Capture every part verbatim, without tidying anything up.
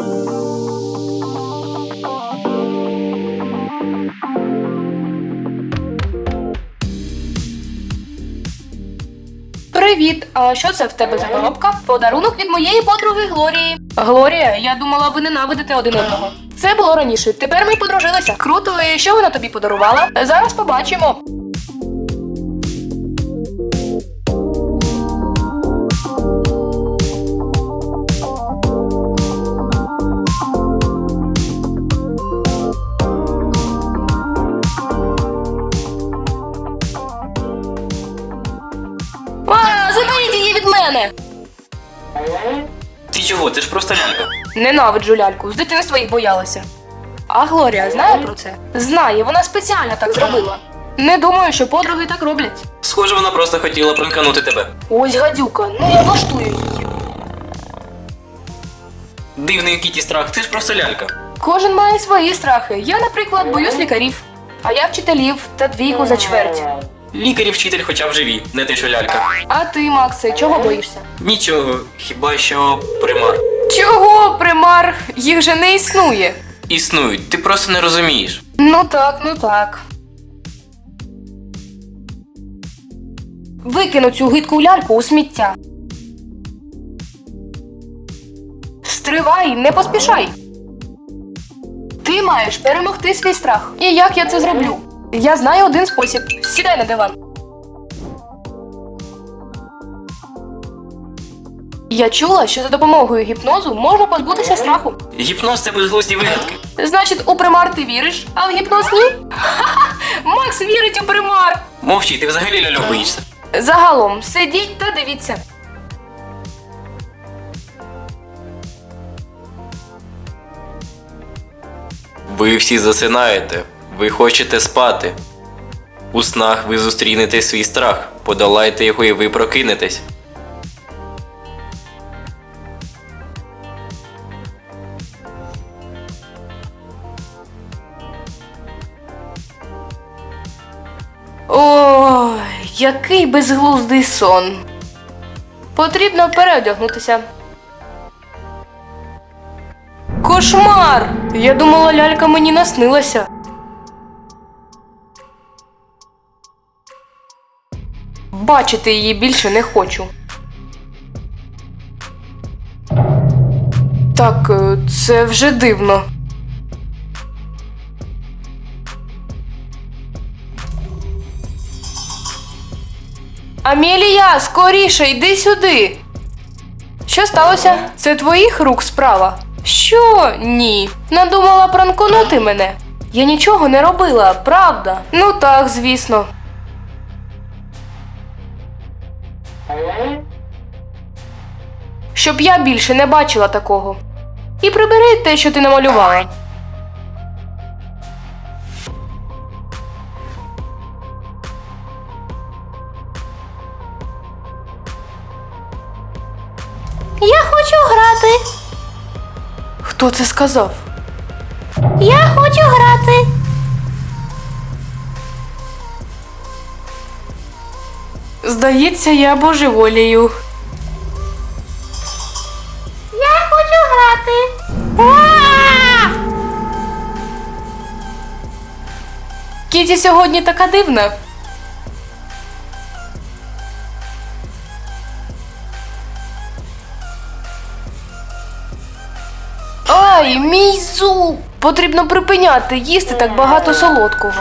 Привіт, а що це в тебе за коробка? Подарунок від моєї подруги Глорії. Глорія, я думала, ви ненавидите один одного. Це було раніше, тепер ми подружилися. Круто, і що вона тобі подарувала? Зараз побачимо. А, заберіть її від мене! Ти чого? Це ж просто лялька. Ненавиджу ляльку, з дитинства їх боялася. А Глорія знає про це? Знає, вона спеціально так зробила. Не думаю, що подруги так роблять. Схоже, вона просто хотіла пранканути тебе. Ось гадюка, ну я влаштую її. Дивний Кіті страх, ти ж просто лялька. Кожен має свої страхи. Я, наприклад, боюсь лікарів. А я вчителів та двійку за чверть. Лікар і вчитель хоча б живі, не те, що лялька. А ти, Максе, чого боїшся? Нічого, хіба що примар. Чого, примар? Їх же не існує. Існують, ти просто не розумієш. Ну так, ну так. Викину цю гидку ляльку у сміття. Стривай, не поспішай. Ти маєш перемогти свій страх. І як я це зроблю? Я знаю один спосіб. Сідай на диван. Я чула, що за допомогою гіпнозу можна позбутися страху. Гіпноз – це безглузді вигадки. Значить, у примар ти віриш, а в гіпноз ні? Ха-ха! Макс вірить у примар! Мовчи, ти взагалі ляльок боїшся. Загалом, сидіть та дивіться. Ви всі засинаєте, ви хочете спати. У снах ви зустрінете свій страх, подолайте його і ви прокинетесь. Ой, який безглуздий сон. Потрібно переодягнутися. Кошмар! Я думала, лялька мені наснилася. Бачити її більше не хочу. Так, е, це вже дивно. Амелія, скоріше, йди сюди. Що сталося? Це твоїх рук справа? Що? Ні. Надумала пранконути мене? Я нічого не робила, правда? Ну так, звісно. Щоб я більше не бачила такого. І прибери те, що ти намалювала. Я хочу грати. Хто це сказав? Я хочу грати. Здається, я божеволію. Я хочу грати. А! Кіті сьогодні така дивна. Ай, мій зуб! Потрібно припиняти їсти так багато солодкого.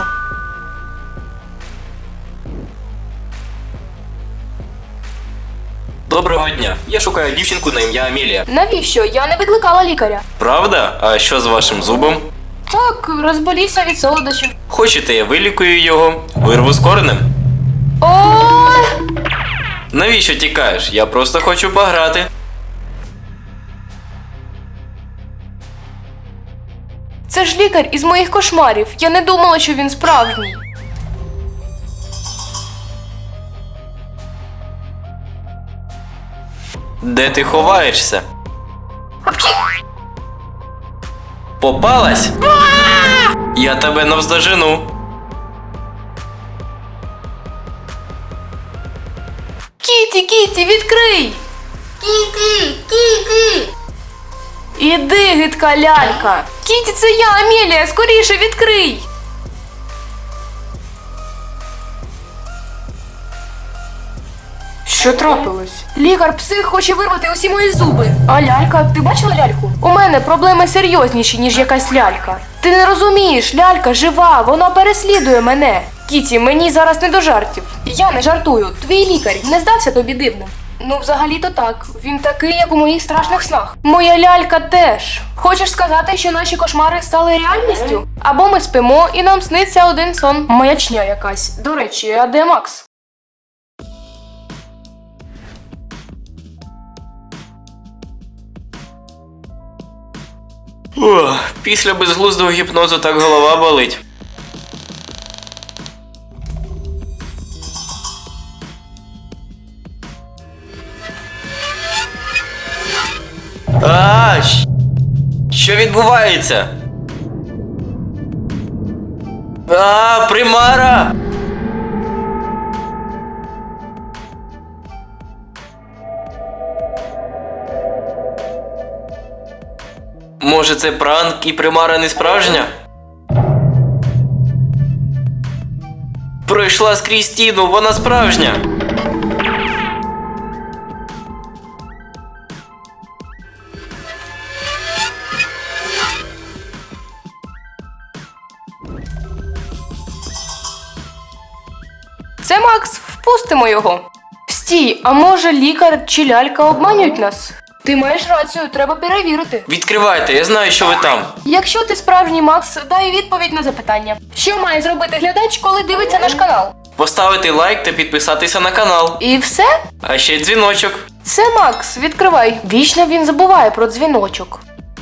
Доброго дня, я шукаю дівчинку на ім'я Амелія. Навіщо? Я не викликала лікаря. Правда? А що з вашим зубом? Так, розболівся від солодощів. Хочете, я вилікую його, вирву з коренем? Ой! Навіщо тікаєш? Я просто хочу пограти. Це ж лікар із моїх кошмарів. Я не думала, що він справжній. Де ти ховаєшся? Попалась? Я тебе навздожену. Кіті, Кіті, відкрий! Кіті, Кіті. Іди, гидка лялька. Кіті, це я, Амелія, скоріше відкрий. Що трапилось? Лікар-псих хоче вирвати усі мої зуби. А лялька, ти бачила ляльку? У мене проблеми серйозніші, ніж якась лялька. Ти не розумієш, лялька жива, вона переслідує мене. Кіті, мені зараз не до жартів. Я не жартую. Твій лікар не здався тобі дивним? Ну, взагалі-то так. Він такий, як у моїх страшних снах. Моя лялька теж. Хочеш сказати, що наші кошмари стали реальністю? Або ми спимо і нам сниться один сон. Маячня якась. До речі, а де Макс? Ох, після безглуздого гіпнозу так голова болить. А, щ- що відбувається? А, примара! Може, це пранк і примара не справжня? Пройшла скрізь стіну, вона справжня. Це Макс, впустимо його. Стій, а може лікар чи лялька обманюють нас? Ти маєш рацію, треба перевірити. Відкривайте, я знаю, що ви там. Якщо ти справжній Макс, дай відповідь на запитання. Що має зробити глядач, коли дивиться наш канал? Поставити лайк та підписатися на канал. І все? А ще дзвіночок. Це Макс, відкривай. Вічно він забуває про дзвіночок.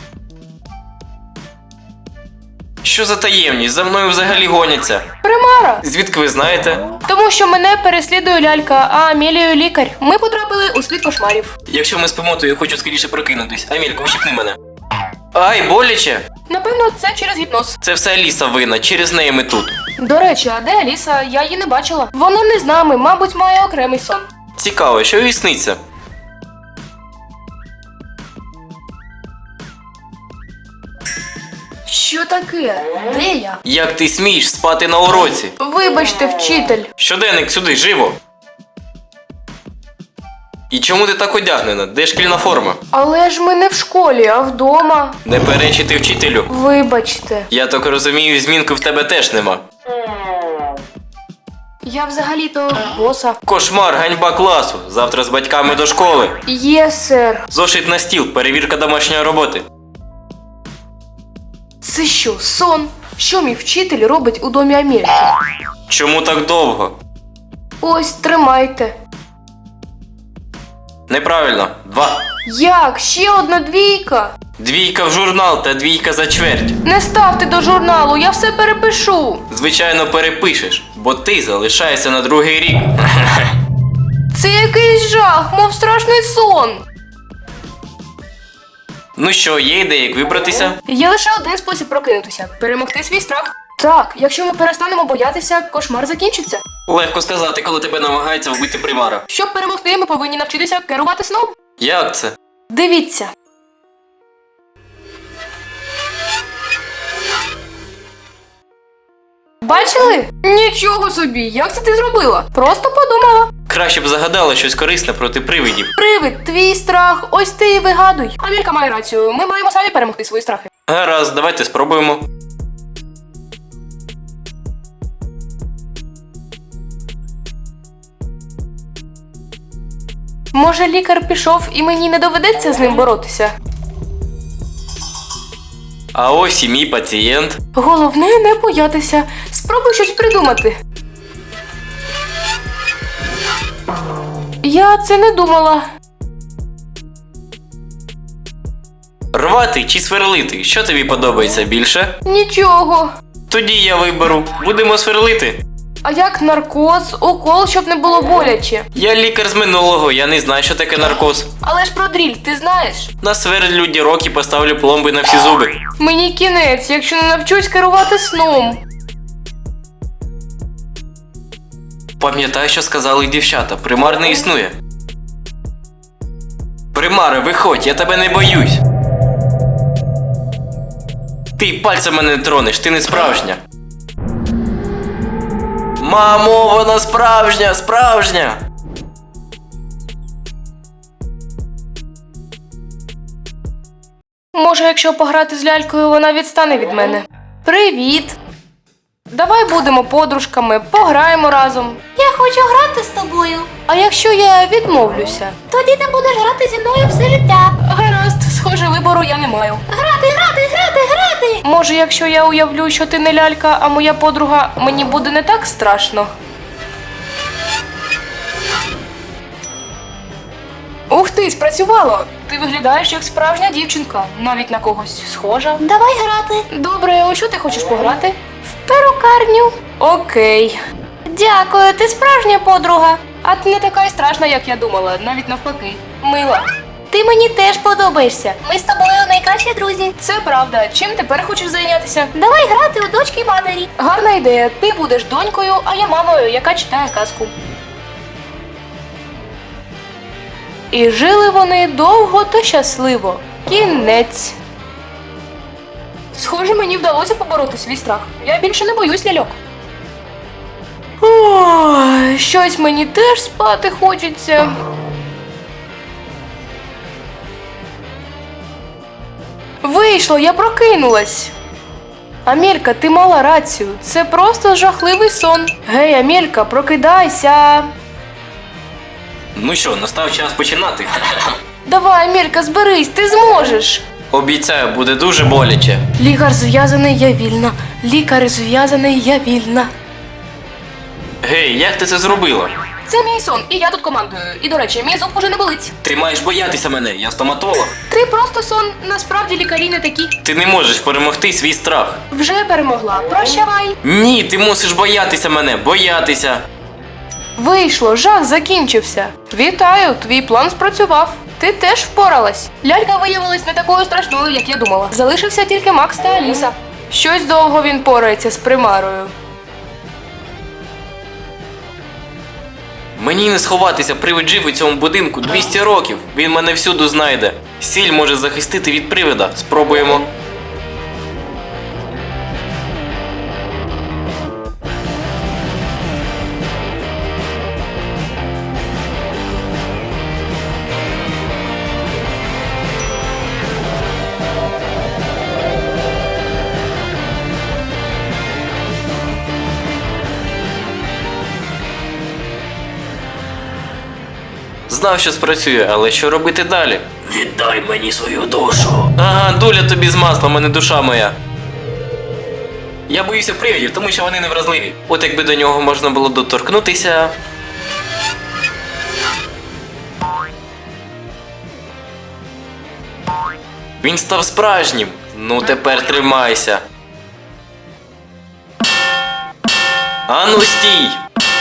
Що за таємність? За мною взагалі гоняться. Примара! Звідки ви знаєте? Тому що мене переслідує лялька, а Амелію лікар. Ми потрапили у світ кошмарів. Якщо ми спимо, то я хочу скоріше прокинутись. Амелька, ущипни мене. Ай, боляче! Напевно, це через гіпноз. Це все Аліса винна, через неї ми тут. До речі, а де Аліса? Я її не бачила. Вона не з нами, мабуть, має окремий сон. Цікаво, що їй сниться? Що таке? Де я? Як ти смієш спати на уроці? Вибачте, вчитель. Щоденник сюди, живо! І чому ти так одягнена? Де шкільна форма? Але ж ми не в школі, а вдома. Не перечити вчителю. Вибачте. Я так розумію, змінки в тебе теж нема. Я взагалі-то боса. Кошмар, ганьба класу. Завтра з батьками до школи. Є, сер. Зошит на стіл, перевірка домашньої роботи. Це що, сон? Що мій вчитель робить у домі Амельки? Чому так довго? Ось, тримайте. Неправильно. Два. Як? Ще одна двійка? Двійка в журнал та двійка за чверть. Не ставте до журналу, я все перепишу. Звичайно, перепишеш, бо ти залишаєшся на другий рік. Це якийсь жах, мов страшний сон. Ну що, є ідея, як вибратися? Є лише один спосіб прокинутися – перемогти свій страх. Так, якщо ми перестанемо боятися, кошмар закінчиться. Легко сказати, коли тебе намагається вбити примара. Щоб перемогти, ми повинні навчитися керувати сном. Як це? Дивіться. Бачили? Нічого собі, як це ти зробила? Просто подумала. Краще б загадала щось корисне проти привидів. Привид, твій страх, ось ти і вигадуй. Амелька має рацію, ми маємо самі перемогти свої страхи. Гаразд, давайте спробуємо. Може, лікар пішов і мені не доведеться з ним боротися? А ось і мій пацієнт. Головне не боятися. Спробуй щось придумати. Я це не думала. Рвати чи сверлити? Що тобі подобається більше? Нічого. Тоді я виберу. Будемо сверлити. А як наркоз, укол, щоб не було боляче? Я лікар з минулого, я не знаю, що таке наркоз. Але ж про дріль, ти знаєш? Насверлю дірок і поставлю пломби на всі зуби. Мені кінець, якщо не навчусь керувати сном. Пам'ятай, що сказали дівчата, примар не існує. Примаре, виходь, я тебе не боюсь. Ти пальцем мене не тронеш, ти не справжня. Мамо, вона справжня, справжня. Може, якщо пограти з лялькою, вона відстане від мене. Привіт! Давай будемо подружками, пограємо разом. Я хочу грати з тобою. А якщо я відмовлюся? Тоді ти будеш грати зі мною все життя. Гаразд, схоже, вибору я не маю. Грати, грати, грати, грати. Може, якщо я уявлю, що ти не лялька, а моя подруга, мені буде не так страшно. Ух ти, спрацювало! Ти виглядаєш як справжня дівчинка, навіть на когось схожа. Давай грати. Добре, у що ти хочеш пограти? В перукарню. Окей. Дякую, ти справжня подруга. А ти не така й страшна, як я думала, навіть навпаки. Мила. Ти мені теж подобаєшся. Ми з тобою найкращі друзі. Це правда. Чим тепер хочеш зайнятися? Давай грати у дочки матері. Гарна ідея. Ти будеш донькою, а я мамою, яка читає казку. І жили вони довго та щасливо. Кінець. Схоже, мені вдалося побороти свій страх. Я більше не боюсь ляльок. Ой, щось мені теж спати хочеться. Вийшло, я прокинулась. Амелька, ти мала рацію. Це просто жахливий сон. Гей, Амелька, прокидайся. Ну що, настав час починати. Давай, Амелька, зберись, ти зможеш. Обіцяю, буде дуже боляче. Лікар зв'язаний, я вільна. Лікар зв'язаний, я вільна. Гей, як ти це зробила? Це мій сон, і я тут командую. І, до речі, мій зуб уже не болить. Ти маєш боятися мене, я стоматолог. Ти просто сон, насправді лікарі не такі. Ти не можеш перемогти свій страх. Вже перемогла, прощавай. Ні, ти мусиш боятися мене, боятися. Вийшло, жах закінчився. Вітаю, твій план спрацював. Ти теж впоралась. Лялька виявилась не такою страшною, як я думала. Залишився тільки Макс та Аліса. Щось довго він порається з примарою. Мені не сховатися, привид жив у цьому будинку двісті років. Він мене всюди знайде. Сіль може захистити від привида. Спробуємо. Знав, що спрацює, але що робити далі? Віддай мені свою душу. Ага, доля тобі з маслом, а не душа моя. Я боюся привидів, тому що вони невразливі. От якби до нього можна було доторкнутися. Він став справжнім. Ну тепер тримайся. Ану стій!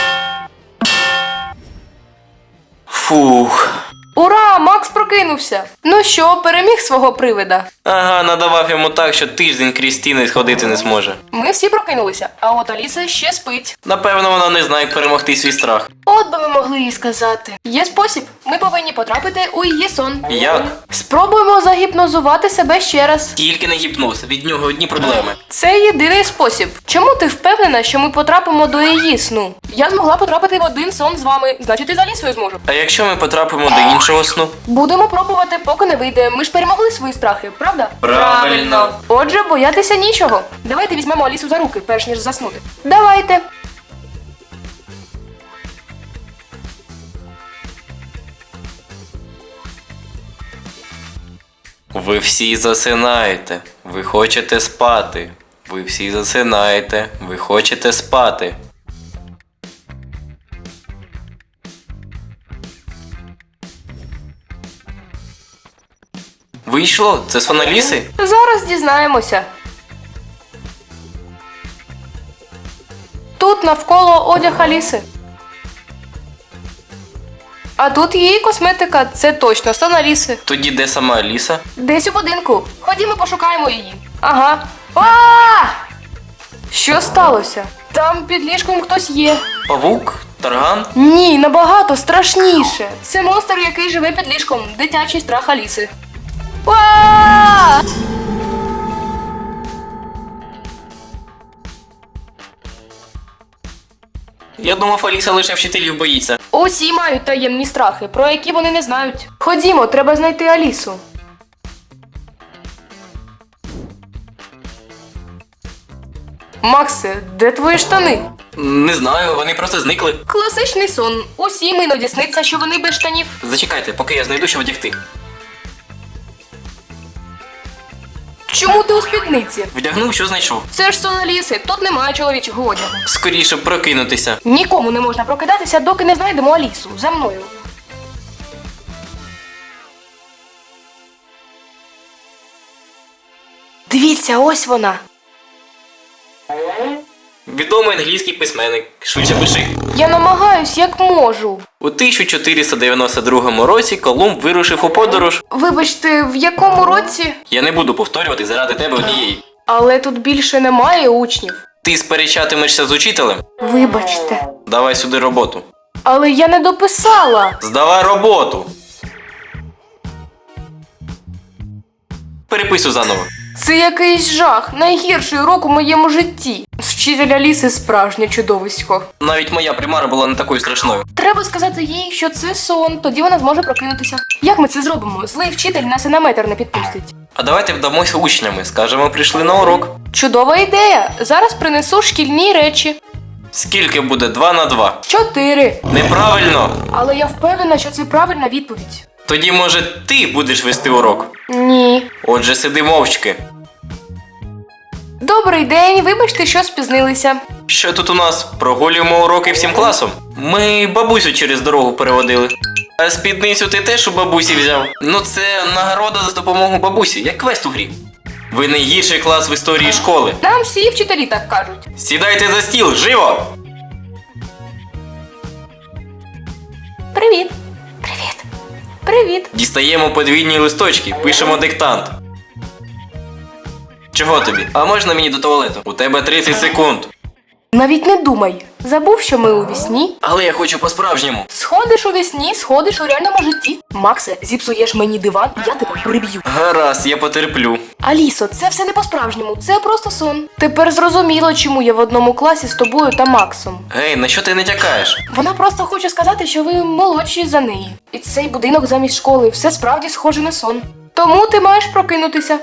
Фух. Ура, Макс прокинувся. Ну що, переміг свого привида? Ага, надавав йому так, що тиждень крізь стіни сходити не зможе. Ми всі прокинулися, а от Аліса ще спить. Напевно, вона не знає, як перемогти свій страх. От би ми могли їй сказати. Є спосіб. Ми повинні потрапити у її сон. Як? Спробуємо загіпнозувати себе ще раз. Тільки не гіпноз, від нього одні проблеми. Це єдиний спосіб. Чому ти впевнена, що ми потрапимо до її сну? Я змогла потрапити в один сон з вами, значить і з Алісою зможу. А якщо ми потрапимо до іншого сну? Будемо пробувати, поки не вийде. Ми ж перемогли свої страхи, правда? Правильно. Отже, боятися нічого. Давайте візьмемо Алісу за руки, перш ніж заснути. Давайте. Ви всі засинаєте. Ви хочете спати. Ви всі засинаєте. Ви хочете спати. Вийшло? Це сон Аліси? Зараз дізнаємося. Тут навколо одяг Аліси. А тут її косметика, це точно сон Аліси. Тоді де сама Аліса? Десь у будинку. Ходімо пошукаємо її. Ага. А! Що сталося? Там під ліжком хтось є. Павук? Тарган? Ні, набагато страшніше. Це монстр, який живе під ліжком. Дитячий страх Аліси. А! Я думав, Аліса лише вчителів боїться. Усі мають таємні страхи, про які вони не знають. Ходімо, треба знайти Алісу. Максе, де твої штани? Не знаю, вони просто зникли. Класичний сон. Усім іноді сниться, що вони без штанів. Зачекайте, поки я знайду, що вдягти. Чому ти у спідниці? Вдягнув, що знайшов. Це ж сон Аліси, тут немає чоловічого одягу. Скоріше б прокинутися. Нікому не можна прокидатися, доки не знайдемо Алісу. За мною. Дивіться, ось вона. Відомий англійський письменник. Швидше пиши. Я намагаюсь, як можу. У тисяча чотириста дев'яносто другому році Колумб вирушив у подорож. Вибачте, в якому році? Я не буду повторювати заради тебе однієї. Але тут більше немає учнів. Ти сперечатимешся з учителем? Вибачте. Давай сюди роботу. Але я не дописала. Здавай роботу. Переписуй заново. Це якийсь жах, найгірший урок у моєму житті. Вчитель Аліси справжнє чудовисько. Навіть моя примара була не такою страшною. Треба сказати їй, що це сон, тоді вона зможе прокинутися. Як ми це зробимо? Злий вчитель нас і на метр не підпустить. А давайте вдамося учнями. Скажемо, прийшли на урок. Чудова ідея. Зараз принесу шкільні речі. Скільки буде два на два? Чотири. Неправильно! Але я впевнена, що це правильна відповідь. Тоді, може, ти будеш вести урок? Ні. Отже, сиди мовчки. Добрий день, вибачте, що спізнилися. Що тут у нас? Прогулюємо уроки всім класом? Ми бабусю через дорогу переводили. А спідницю ти теж у бабусі взяв? Ну це нагорода за допомогу бабусі, як квест у грі. Ви найгірший клас в історії школи. Нам всі вчителі так кажуть. Сідайте за стіл, живо! Привіт. Привіт. Привіт. Дістаємо подвійні листочки, пишемо диктант. Чого тобі? А можна мені до туалету? У тебе тридцять секунд. Навіть не думай. Забув, що ми у вісні. Але я хочу по-справжньому. Сходиш у вісні, сходиш у реальному житті. Максе, зіпсуєш мені диван, я тебе приб'ю. Гаразд, я потерплю. Алісо, це все не по-справжньому, це просто сон. Тепер зрозуміло, чому я в одному класі з тобою та Максом. Гей, на що ти не тякаєш? Вона просто хоче сказати, що ви молодші за неї. І цей будинок замість школи все справді схоже на сон. Тому ти маєш прокинутися.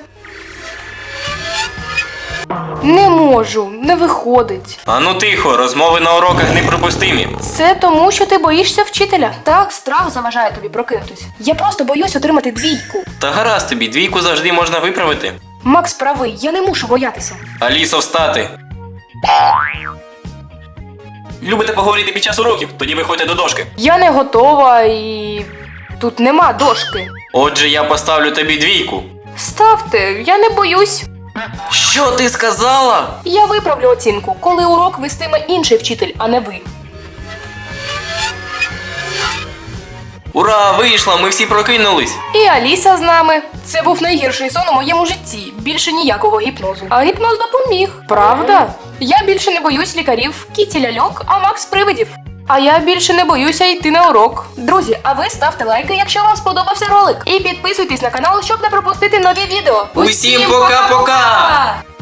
Не можу, не виходить. Ану тихо, розмови на уроках неприпустимі. Це тому, що ти боїшся вчителя. Так, страх заважає тобі прокинутись. Я просто боюсь отримати двійку. Та гаразд тобі, двійку завжди можна виправити. Макс правий, я не мушу боятися. Алісо, встати. Любите поговорити під час уроків? Тоді виходьте до дошки. Я не готова і... тут нема дошки. Отже, я поставлю тобі двійку. Ставте, я не боюсь. Що ти сказала? Я виправлю оцінку, коли урок вестиме інший вчитель, а не ви. Ура, вийшла, ми всі прокинулись. І Аліса з нами. Це був найгірший сон у моєму житті. Більше ніякого гіпнозу. А гіпноз допоміг. Правда? Я більше не боюсь лікарів, Кіті ляльок, а Макс привидів. А я більше не боюся йти на урок. Друзі, а ви ставте лайки, якщо вам сподобався ролик. І підписуйтесь на канал, щоб не пропустити нові відео. Усім пока-пока!